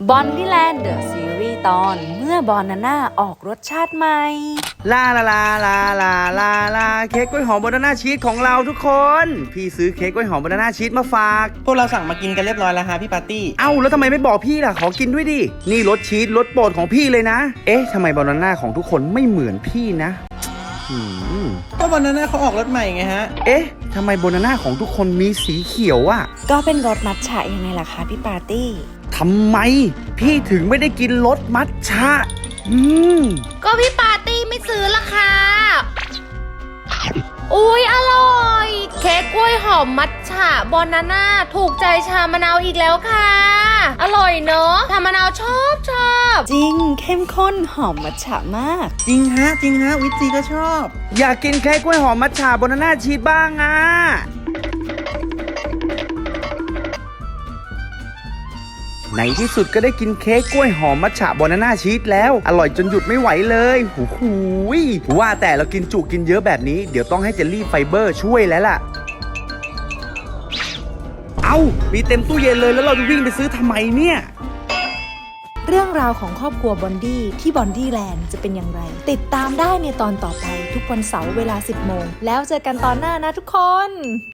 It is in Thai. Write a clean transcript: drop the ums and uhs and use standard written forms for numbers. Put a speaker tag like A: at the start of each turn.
A: บอนดี้แลนด์เดอะซีรีส์ตอนเมื่อบอนาน่าออกรสชาติใหม่
B: ลาลาลาลาลาลาลาเค้กกล้วยหอมบานาน่าชีสของเราทุกคนพี่ซื้อเค้กกล้วยหอมบานาน่าชีสมาฝาก
C: พวกเราสั่งมากินกันเรียบร้อยแล้วฮะพี่ปาร์ตี้
B: เอ้าแล้วทำไมไม่บอกพี่ล่ะขอกินด้วยดินี่รสชีสรสโปรดของพี่เลยนะเอ๊ะทำไมบานาน่าของทุกคนไม่เหมือนพี่นะ
C: ก็บานาน่าเขาออกรสใหม่ไงฮะ
B: เอ๊ะทำไมบานาน่าของทุกคนมีสีเขียวอะ
A: ก็เป็นรสมัทฉะยังไงล่ะคะพี่ปาร์ตี้
B: ทำไมพี่ถึงไม่ได้กินรสมัทฉะ
D: ก็พี่ปาร์ตี้ไม่ซื้อละค่ะอุ๊ยอร่อยเค้กกล้วยหอมมัทฉะบานาน่าถูกใจชามะนาวอีกแล้วค่ะอร่อยเนอะชามะนาวชอบ
A: จริงเข้มข้นหอมมัทฉะมาก
C: จริงฮะวิจีก็ชอบ
B: อยากกินเค้กกล้วยหอมมัทฉะบานาน่าชีสบ้างอะในที่สุดก็ได้กินเค้กกล้วยหอมมัทฉะบานาน่าชีสแล้วอร่อยจนหยุดไม่ไหวเลยหูยว่าแต่เรากินจุกินเยอะแบบนี้เดี๋ยวต้องให้เจลลี่ไฟเบอร์ช่วยแล้วล่ะเอามีเต็มตู้เย็นเลยแล้วเราจะวิ่งไปซื้อทำไมเนี่ย
A: เรื่องราวของครอบครัวบอนดี้ที่บอนดี้แลนด์จะเป็นอย่างไรติดตามได้ในตอนต่อไปทุกวันเสาร์เวลา 10 โมงแล้วเจอกันตอนหน้านะทุกคน